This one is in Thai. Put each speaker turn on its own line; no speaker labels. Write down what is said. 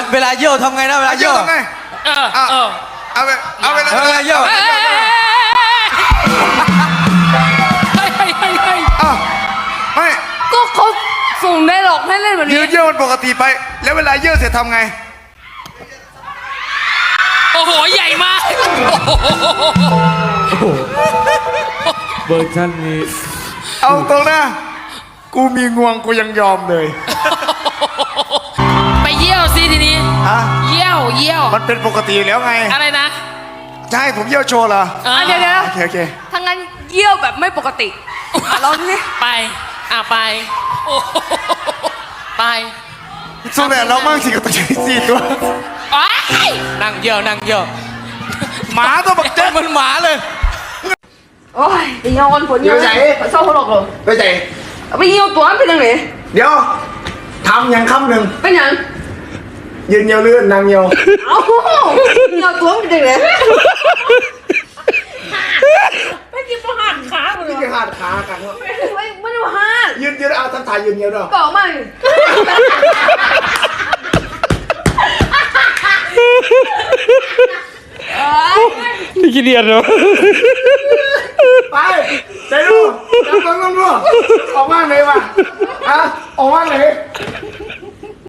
เวลาเยี่ยวทำไงนะเวลาเยี่ยว
ทำไงเอาไป
เวลาเยี่ยว
ไม่
ก็เขาส่งได้หรอกให้เล่นแบบนี้
ยืดเยี่ยวมันปกติไปแล้วเวลาเยี่ยวเสร็จทำไง
โอ้โหใหญ่มาก
เวอร์ชันนี้
เอาตรงนะกูมีงวงกูยังยอมเลย
ไปเยี่ยวสิทีนี้เยี่ยว
มันเป็นปกติแล้วไง
อะไรนะ
จะให้ผมเยี่ยวโชว์เหรอ
เดี๋ยว
โอเค
ถ้างั้นเยี่ยวแบบไม่ปกติลองดิ
ไปไปไป
สู้แต่เรามั่งสิกับตัวสี่ตัว
นั่งเยี่ยว
หมาตัวบักเจ๊
มันหมาเลย
โอ้ยไปยอนผลยอนเศร้าหัวหลอกเลย
ไปไหน
ไปเยี่ยวตัวเป็นยังไง
เดี๋ยวทำอย่างคำหนึ่ง
เป็นยัง
ยืนเยี่ยวเลื่อนนางเยี่ยว
เอ้าเยี่ยวตัวเป็นยังไงไม่กินประหารขาเลย
ไม่กินหัดขากัน
ไม่ได้หัด
ยืนเอาทำถ่ายยืนเยี่ยวด้วย
เปล่าไม่
นี่ขี้เดียดเหรอ
ไปใจดูจับต้องดูออกมาไหนวะออกมาไหน